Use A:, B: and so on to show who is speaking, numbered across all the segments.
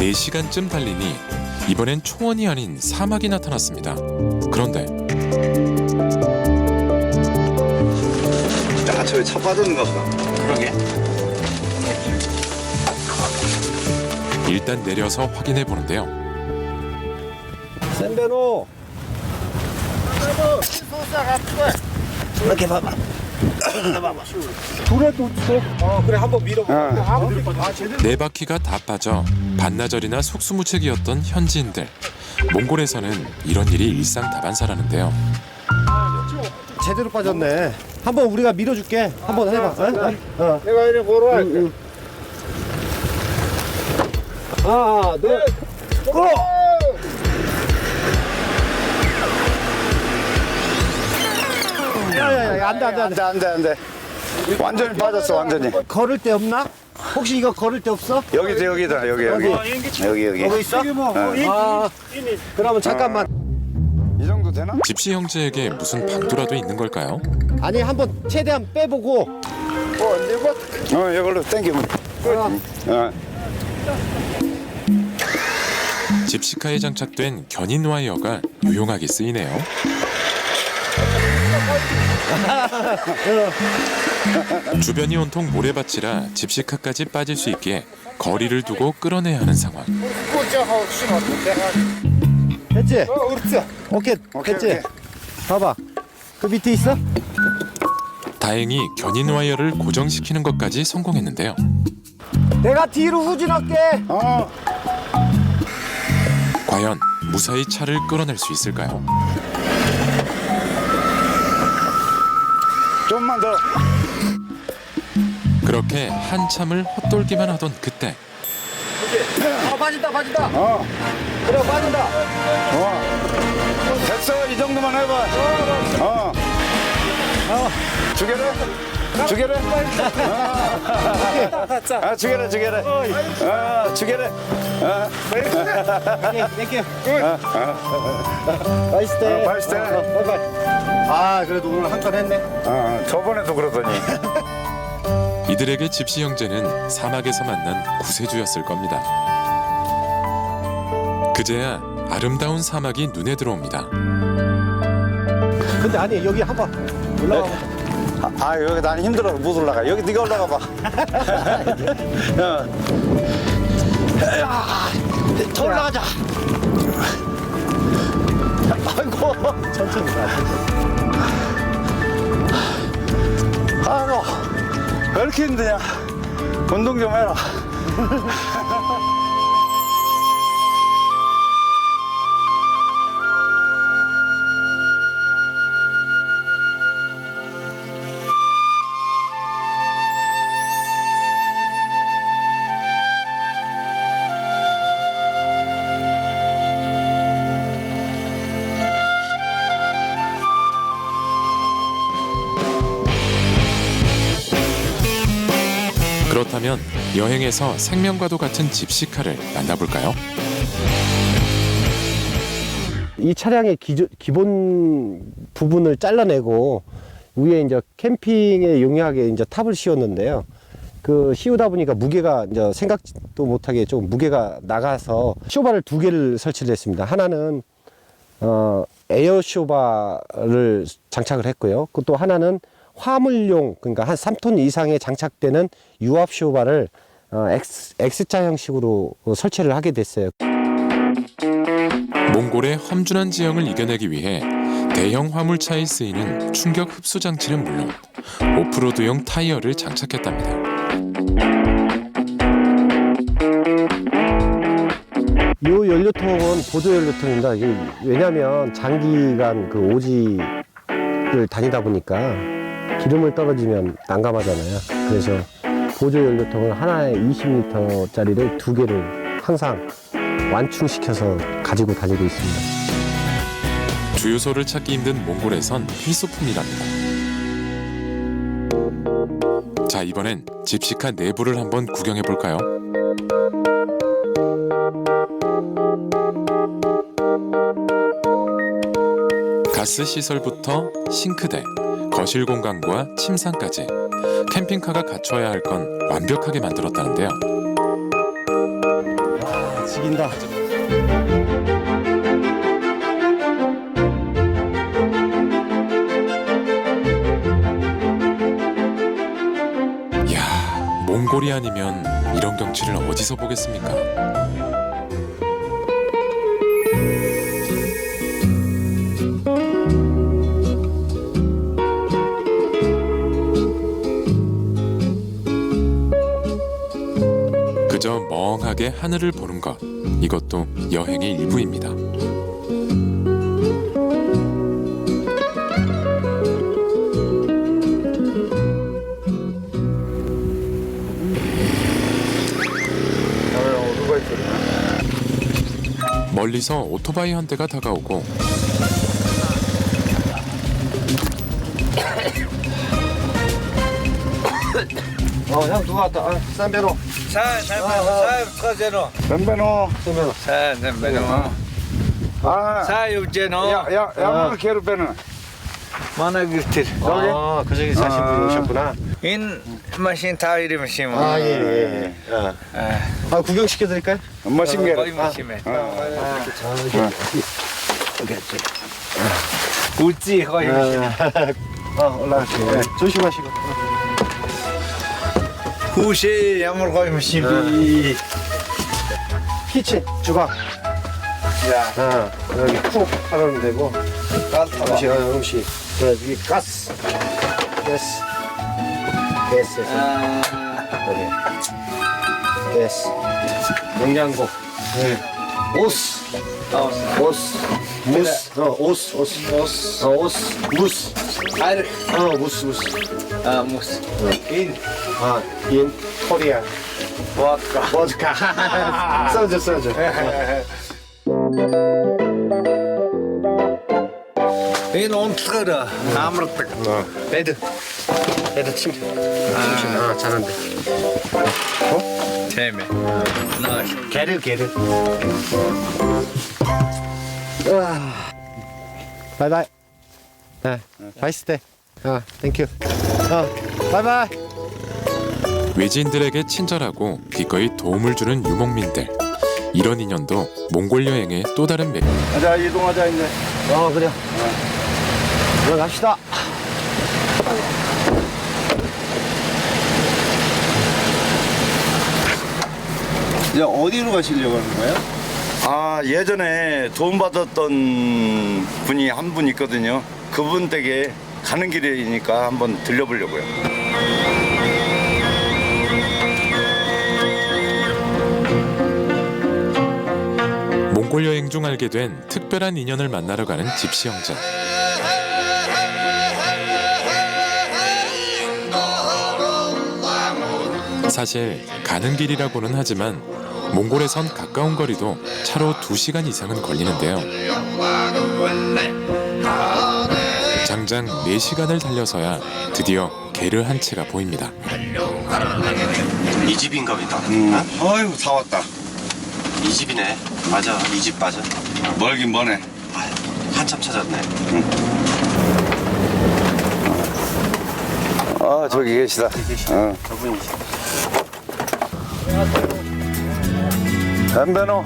A: 4시간쯤 달리니 이번엔 초원이 아닌 사막이 나타났습니다. 그런데
B: 야, 저기 차 빠졌는가 보다.
C: 그러게.
A: 일단 내려서 확인해 보는데요.
D: 샌베노
B: 이렇게 봐봐.
D: 둘에 놓쳐. 그래 한번 밀어봐.
A: 네 바퀴가 다 빠져 반나절이나 속수무책이었던 현지인들. 몽골에서는 이런 일이 일상다반사라는데요.
D: 제대로 빠졌네. 한번 우리가 밀어줄게. 한번 해봐.
B: 내가 이리 보러 갈게.
D: 하나, 둘, 고! 야야야, 안돼.
B: 완전히 빠졌어, 완전히.
D: 걸을 데 없나? 혹시 이거 걸을 데 없어?
B: 여기다, 여기. 여기.
D: 있어? 그러면 잠깐만.
B: 이 정도 되나?
A: 집시 형제에게 무슨 방도라도 있는 걸까요?
D: 아니 한번 최대한 빼보고.
B: 이걸로 당기면.
A: 집시카에 장착된 견인 와이어가 유용하게 쓰이네요. 주변이 온통 모래밭이라 집시카까지 빠질 수 있게 거리를 두고 끌어내야 하는 상황.
D: 됐지? 오케이, 됐지? 봐봐. 그 밑에 있어?
A: 다행히 견인 와이어를 고정시키는 것까지 성공했는데요.
D: 내가 뒤로 후진할게.
A: 과연 무사히 차를 끌어낼 수 있을까요?
B: 좀만 더.
A: 그렇게 한참을 헛돌기만 하던 그때
D: 빠진다.
B: 어.
D: 그래, 빠진다.
B: 됐어, 이 정도만 해봐. 주게래? 주게래? 주게래. 주게래.
D: 땡큐. 나이스 때.
B: 나이스 때.
D: 아, 그래도 오늘 한 건 했네.
B: 저번에도 그러더니.
A: 이들에게 집시 형제는 사막에서 만난 구세주였을 겁니다. 그제야 아름다운 사막이 눈에 들어옵니다.
D: 근데 아니, 여기 한번 올라가.
B: 여기 나는 힘들어서 못 올라가. 여기 네가 올라가 봐.
D: 더 올라가자. 아이고, 천천히 가.
B: 아이고, 왜 이렇게 힘드냐. 운동 좀 해라.
A: 그렇다면 여행에서 생명과도 같은 집시카를 만나볼까요?
D: 이 차량의 기본 부분을 잘라내고 위에 이제 캠핑에 용이하게 이제 탑을 씌웠는데요. 그 씌우다 보니까 무게가 이제 생각도 못하게 좀 무게가 나가서 쇼바를 2개를 설치를 했습니다. 하나는 에어 쇼바를 장착을 했고요. 또 하나는 화물용, 그러니까 한 3톤 이상에 장착되는 유압 쇼바를 X자 형식으로 설치를 하게 됐어요.
A: 몽골의 험준한 지형을 이겨내기 위해 대형 화물차에 쓰이는 충격 흡수 장치는 물론 오프로드용 타이어를 장착했답니다.
D: 이 연료통은 보조 연료통입니다. 왜냐하면 장기간 그 오지를 다니다 보니까 기름을 떨어지면 난감하잖아요. 그래서 보조 연료통을 하나에 20리터짜리를 2개를 항상 완충시켜서 가지고 다니고 있습니다.
A: 주유소를 찾기 힘든 몽골에선 필수품이랍니다. 자, 이번엔 집시카 내부를 한번 구경해 볼까요? 가스 시설부터 싱크대, 거실 공간과 침상까지 캠핑카가 갖춰야 할 건 완벽하게 만들었다는데요.
D: 고생하셨습니다.
A: 이야, 몽골이 아니면 이런 경치를 어디서 보겠습니까? 그저 멍하게 하늘을 보는 것, 이것도 여행의 일부입니다. 멀리서 오토바이 한 대가 다가오고
D: 형 누가 왔다. 쌈배로.
B: 덤베노. 야, 게르베노.
D: 아, 그 저기 사신 분이셨구나.
C: 인 마신 타이리 마신
D: 아, 예. 아, 구경 시켜드릴까요?
B: 머신 게르.
C: 거의 마시면
D: 여기
C: 우찌 거의 마시면
D: 올라갈게요. 네, 조심하시고.
C: 후시 야물 거의 마시면
D: 키친, 주방. 야, 여기 푹 하면 되고. 음식. 여기 가스. 가스. 여기. 가스. 냉장고. 오스. 무스.
C: 아르
D: 무스.
C: 무스
D: 인 코리아.
C: 보드카
D: 보드카. 소주.
C: 인 온트르 아무렇다
D: 레드 침. 잘한대.
C: 테메 나이스
D: 게르. 바이바이. 네, 바이스테. 땡큐. 바이바이.
A: 외지인들에게 친절하고 기꺼이 도움을 주는 유목민들. 이런 인연도 몽골 여행의 또 다른 매력.
B: 자, 이동하자 이제.
D: 그래요. 들어갑시다.
B: 이제 어디로 가시려고 하는 거예요? 아, 예전에 도움받았던 분이 한 분 있거든요. 그분 댁에 가는 길이니까 한번 들려보려고요.
A: 몽골 여행 중 알게 된 특별한 인연을 만나러 가는 집시 형제. 사실 가는 길이라고는 하지만 몽골에선 가까운 거리도 차로 2시간 이상은 걸리는데요. 장장 4시간을 달려서야 드디어 게르 한 채가 보입니다.
E: 이 집인가 보다.
B: 아이고, 다 왔다.
E: 이 집이네. 맞아. 이 집 맞아.
B: 멀긴 머네.
E: 한참 찾았네.
B: 아, 저기 계시다.
E: 저분이시.
B: 덤베노.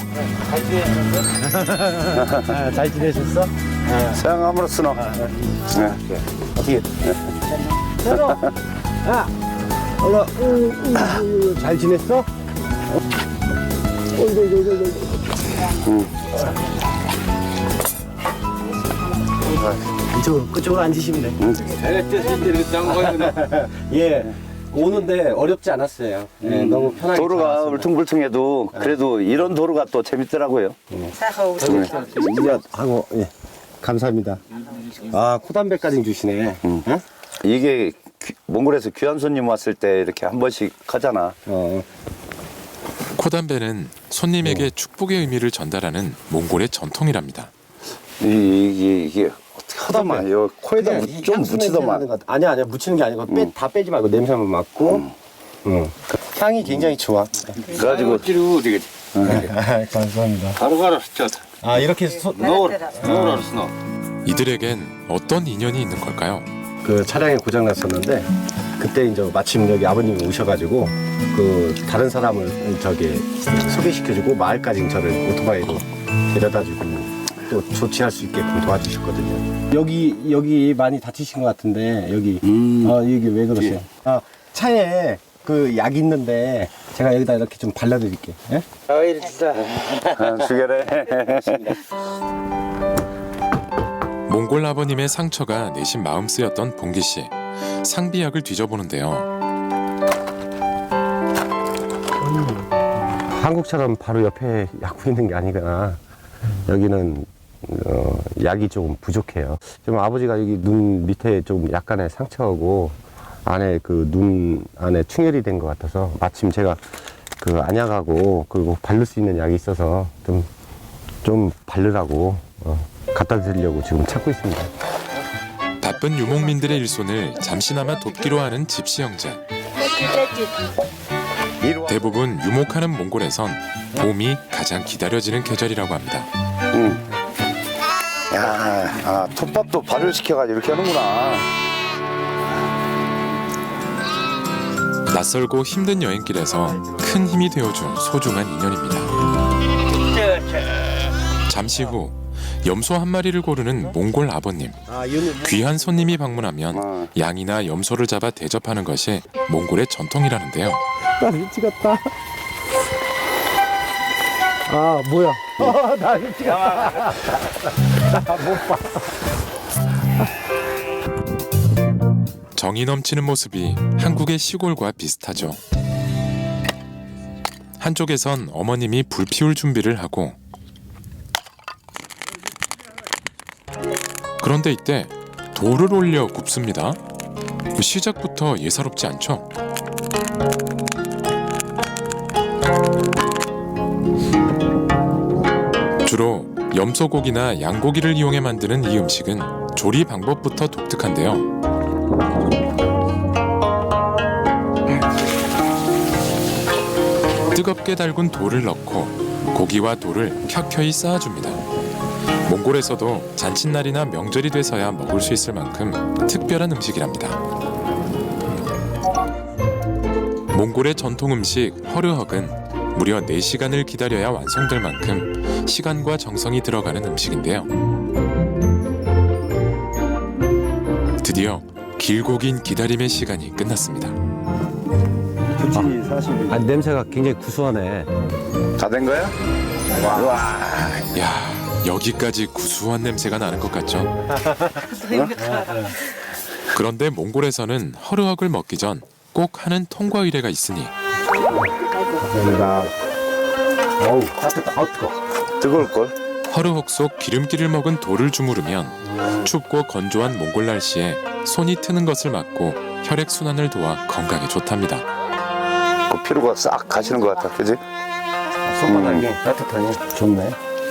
D: 잘 지내셨어?
B: 서양 아무렇스노.
D: 어떻게? 새로. 잘 지냈어? 그쪽으로 앉으시면 돼. 예. 오는데 어렵지 않았어요. 예, 너무 편하게.
B: 도로가
D: 잘 왔습니다.
B: 울퉁불퉁해도 그래도 이런 도로가 또 재밌더라고요.
D: 하고 예. 감사합니다. 코담배까지 주시네.
B: 이게 몽골에서 귀한 손님 왔을 때 이렇게 한 번씩 하잖아.
A: 코담배는 손님에게 축복의 의미를 전달하는 몽골의 전통이랍니다.
B: 이게 어떻게 하다만 요 코에다 좀 묻히더만.
D: 아니야 묻히는 게 아니고 다 빼지 말고 냄새만 맡고. 향이 굉장히 좋아.
B: 그래가지고
D: 감사합니다. 이렇게
A: 이들에겐 어떤 인연이 있는 걸까요?
D: 그 차량이 고장 났었는데 그때 이제 마침 여기 아버님이 오셔가지고 그 다른 사람을 저기 소개시켜주고 마을까지 저를 오토바이로 데려다주고 또 조치할 수 있게끔 도와주셨거든요. 여기 많이 다치신 것 같은데 여기 여기 왜 그러세요? 아, 차에 그 약 있는데 제가 여기다 이렇게 좀 발라드릴게요. 예?
B: 죽여래.
A: 몽골 아버님의 상처가 내심 마음 쓰였던 봉기 씨. 상비약을 뒤져보는데요.
D: 한국처럼 바로 옆에 약국 있는 게 아니구나. 여기는 약이 좀 부족해요. 좀 아버지가 여기 눈 밑에 좀 약간의 상처하고 안에 그 눈 안에 충혈이 된 것 같아서 마침 제가 그 안약하고 그리고 바를 수 있는 약이 있어서 좀 바르라고 갖다 드리려고 지금 찾고 있습니다.
A: 바쁜 유목민들의 일손을 잠시나마 돕기로 하는 집시 형제. 대부분 유목하는 몽골에선 봄이 가장 기다려지는 계절이라고 합니다.
B: 야, 톱밥도 발효 시켜가지고 이렇게 하는구나.
A: 낯설고 힘든 여행길에서 큰 힘이 되어준 소중한 인연입니다. 잠시 후 염소 한 마리를 고르는 몽골 아버님. 귀한 손님이 방문하면 양이나 염소를 잡아 대접하는 것이 몽골의 전통이라는데요.
D: 나 미치겠다. 아 뭐야? 나 미치겠다. 못 봐.
A: 정이 넘치는 모습이 한국의 시골과 비슷하죠. 한쪽에선 어머님이 불 피울 준비를 하고 그런데 이때 돌을 올려 굽습니다. 시작부터 예사롭지 않죠? 주로 염소고기나 양고기를 이용해 만드는 이 음식은 조리 방법부터 독특한데요. 뜨겁게 달군 돌을 넣고 고기와 돌을 켜켜이 쌓아줍니다. 몽골에서도 잔칫날이나 명절이 돼서야 먹을 수 있을 만큼 특별한 음식이랍니다. 몽골의 전통 음식 허르헉은 무려 4시간을 기다려야 완성될 만큼 시간과 정성이 들어가는 음식인데요. 드디어 길고 긴 기다림의 시간이 끝났습니다.
D: 아, 냄새가 굉장히 구수하네.
B: 다 된 거야?
A: 야, 여기까지 구수한 냄새가 나는 것 같죠? 그런데 몽골에서는 허르헉을 먹기 전 꼭 하는 통과 의례가 있으니
D: 감사합니다. 어우 따뜻하다. 뜨거.
B: 뜨거울걸?
A: 허르헉 속 기름기를 먹은 돌을 주무르면 춥고 건조한 몽골 날씨에 손이 트는 것을 막고 혈액 순환을 도와 건강에 좋답니다.
B: 그 피로가 싹 가시는 것 같아, 그지?
D: 손바닥이 따뜻하니 좋네.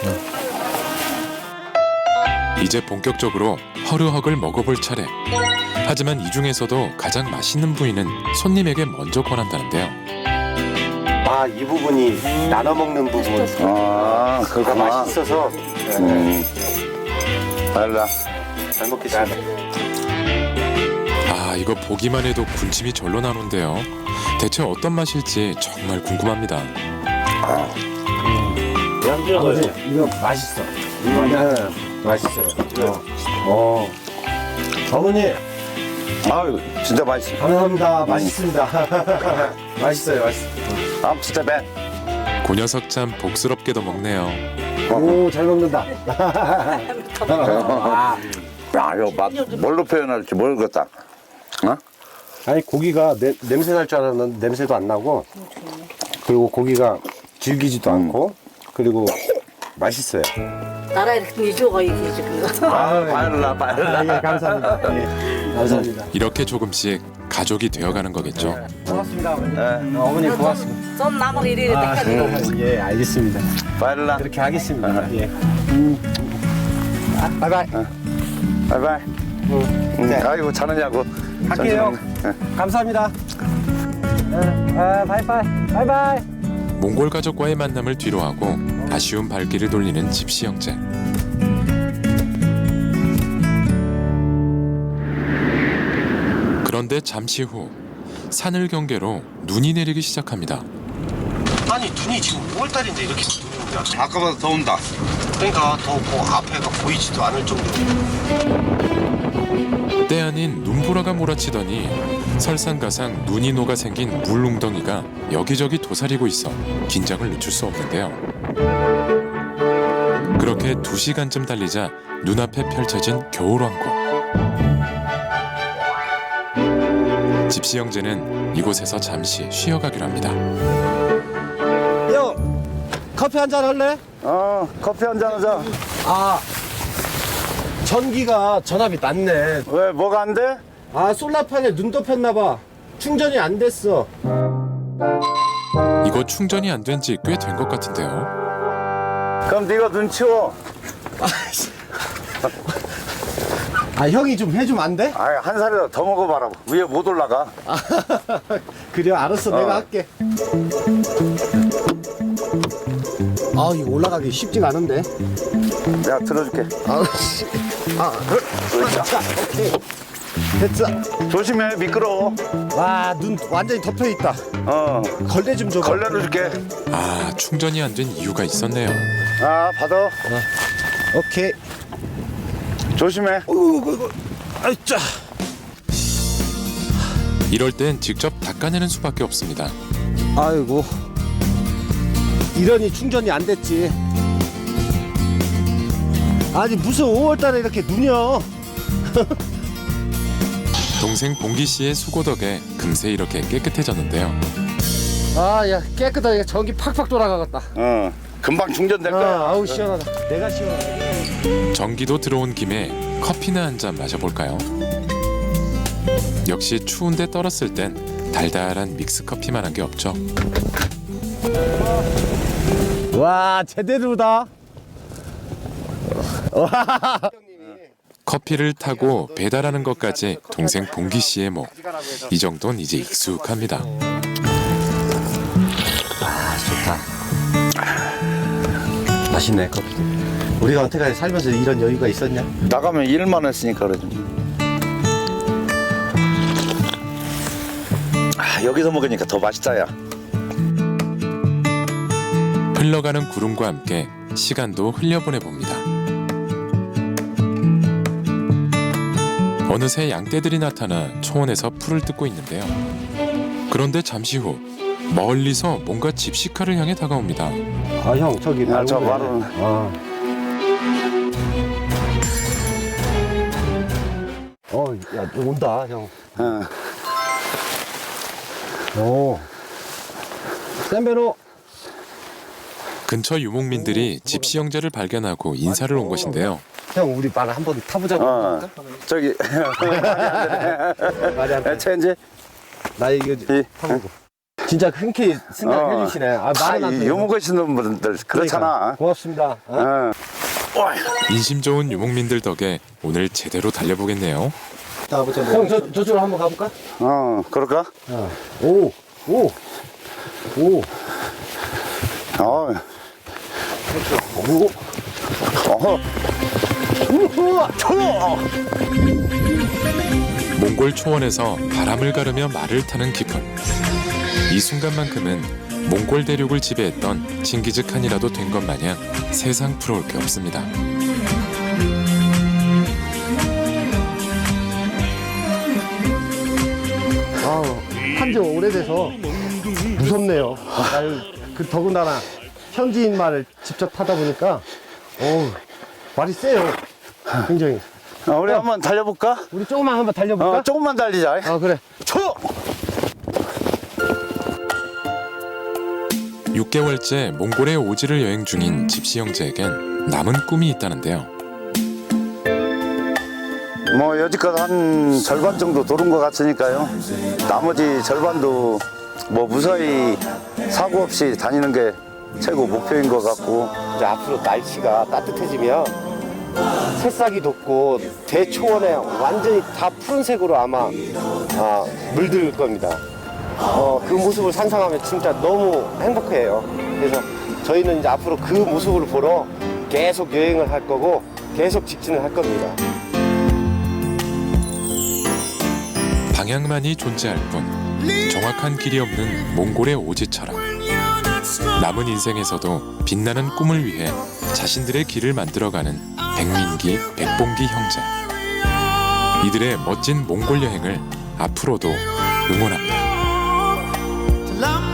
A: 이제 본격적으로 허르헉을 먹어볼 차례. 하지만 이 중에서도 가장 맛있는 부위는 손님에게 먼저 권한다는데요.
D: 아, 이 부분이 나눠 먹는 부분.
B: 아,
D: 다
B: 그렇구나.
D: 맛있어서
B: 알라.
D: 잘 먹겠습니다.
A: 아, 이거 보기만 해도 군침이 절로 나는데요. 대체 어떤 맛일지 정말 궁금합니다.
D: 아버지, 이거 맛있어. 맛있어요. 어머니,
B: 아유, 진짜 맛있어.
D: 감사합니다. 맛있습니다. 맛있어요, 맛있어.
B: 아, 진짜 배.
A: 그 녀석 참 복스럽게도 먹네요.
D: 오, 잘 먹는다.
B: 야, 이거 맛 뭘로 표현할지 모르겠다. 어?
D: 아니, 고기가 냄새 날 줄 알았는데 냄새도 안 나고, 그리고 고기가 질기지도 않고, 그리고 맛있어요.
F: 나라 이렇게 줘가 이게 지금.
B: 빨라.
D: 예, 감사합니다. 예, 감사합니다.
A: 이렇게 조금씩 가족이 되어가는 거겠죠.
D: 고맙습니다, 어머니. 어머니 고맙습니다.
F: 좀 남을 이래 때까지.
D: 예, 알겠습니다.
B: 빨라.
D: 그렇게 하겠습니다. 예. 바이바이.
B: 바이바이. 아이고, 자느냐고.
D: 갈게요. 감사합니다. 바이바이. 바이바이.
A: 몽골 가족과의 만남을 뒤로하고 아쉬운 발길을 돌리는 집시 형제. 그런데 잠시 후 산을 경계로 눈이 내리기 시작합니다.
E: 아니 눈이 지금 5월달인데 이렇게 눈이 온다.
B: 아까보다 더 온다.
E: 그러니까 더 앞에가 보이지도 않을 정도로.
A: 때 아닌 눈보라가 몰아치더니 설상가상 눈이 녹아 생긴 물웅덩이가 여기저기 도사리고 있어 긴장을 늦출 수 없는데요. 그렇게 2시간쯤 달리자 눈앞에 펼쳐진 겨울왕국. 집시 형제는 이곳에서 잠시 쉬어가기로 합니다.
D: 형, 커피 한잔 할래?
B: 커피 한잔 하자.
D: 아, 전기가 전압이 낮네.
B: 왜, 뭐가 안 돼?
D: 아, 솔라판에 눈 덮였나 봐. 충전이 안 됐어.
A: 이거 충전이 안 된 지 꽤 된 것 같은데요.
B: 그럼 네가 눈 치워.
D: 아, 형이 좀 해주면 안 돼?
B: 아, 한 살이라도 더 먹어봐라. 위에 못 올라가.
D: 그래, 알았어. 내가 할게. 아, 이거 올라가기 쉽지가 않은데.
B: 내가 들어줄게.
D: 아우씨. 자, 오케이. 됐어.
B: 조심해, 미끄러워.
D: 와, 눈 완전히 덮여 있다. 걸레 좀 줘봐.
B: 걸레로 줄게.
A: 아, 충전이 안 된 이유가 있었네요.
B: 아, 받아.
D: 오케이.
B: 조심해.
D: 아이짜.
A: 이럴 땐 직접 닦아내는 수밖에 없습니다.
D: 아이고. 이러니 충전이 안 됐지. 아니 무슨 5월달에 이렇게 눈이요.
A: 동생 봉기 씨의 수고 덕에 금세 이렇게 깨끗해졌는데요.
D: 아야 깨끗하게 전기 팍팍 돌아가겠다.
B: 금방 충전될 거야.
D: 아우 시원하다. 내가 시원하다.
A: 전기도 들어온 김에 커피나 한 잔 마셔볼까요? 역시 추운데 떨었을 땐 달달한 믹스 커피만 한 게 없죠.
D: 와 제대로다.
A: 커피를 타고 배달하는 것까지 동생 봉기 씨의 목. 이 정도는 이제 익숙합니다.
D: 아 좋다. 맛있네 커피. 우리가 언제까지 살면서 이런 여유가 있었냐?
B: 나가면 일만 했으니까 그러지. 아, 여기서 먹으니까 더 맛있다, 야.
A: 흘러가는 구름과 함께 시간도 흘려보내봅니다. 어느새 양떼들이 나타나 초원에서 풀을 뜯고 있는데요. 그런데 잠시 후 멀리서 뭔가 집시카를 향해 다가옵니다.
D: 아 형 저기
B: 야, 저
D: 말고
B: 말은.
D: 야 온다 형. 오. 샌베로.
A: 근처 유목민들이 집시 형제를 발견하고 인사를 온 것인데요.
D: 형 우리 말 한번 타보자고.
B: 저기.
D: 말이 안 돼.
B: 체인지?
D: 나 이거 타보고. 진짜 흔쾌히 생각해 주시네. 아 말은 안 돼.
B: 요먹으시는 분들 그렇잖아.
D: 고맙습니다.
A: 인심 좋은 유목민들 덕에 오늘 제대로 달려보겠네요.
D: 형 저쪽으로 한번 가볼까?
B: 그럴까?
D: 오.
B: 어.
A: 몽골 초원에서 바람을 가르며 말을 타는 기분. 이 순간만큼은 몽골 대륙을 지배했던 칭기즈칸이라도 된 것 마냥 세상 부러울 게 없습니다.
D: 한지 오래돼서 무섭네요. 그 더군다나 현지인 말을 직접 타다 보니까 말이 세요. 굉장히.
B: 우리 한번 달려볼까?
D: 우리 조금만 한번 달려볼까?
B: 조금만 달리자.
D: 그래.
A: 6개월째 몽골의 오지를 여행 중인 집시 형제에겐 남은 꿈이 있다는데요.
B: 뭐 여지껏 한 절반 정도 도른 것 같으니까요. 나머지 절반도 뭐 무사히 사고 없이 다니는 게 최고 목표인 것 같고.
D: 이제 앞으로 날씨가 따뜻해지면 새싹이 돋고 대초원에 완전히 다 푸른색으로 아마 물들 겁니다. 그 모습을 상상하면 진짜 너무 행복해요. 그래서 저희는 이제 앞으로 그 모습을 보러 계속 여행을 할 거고 계속 직진을 할 겁니다.
A: 방향만이 존재할 뿐 정확한 길이 없는 몽골의 오지처럼 남은 인생에서도 빛나는 꿈을 위해 자신들의 길을 만들어가는 백민기, 백봉기 형제. 이들의 멋진 몽골 여행을 앞으로도 응원합니다.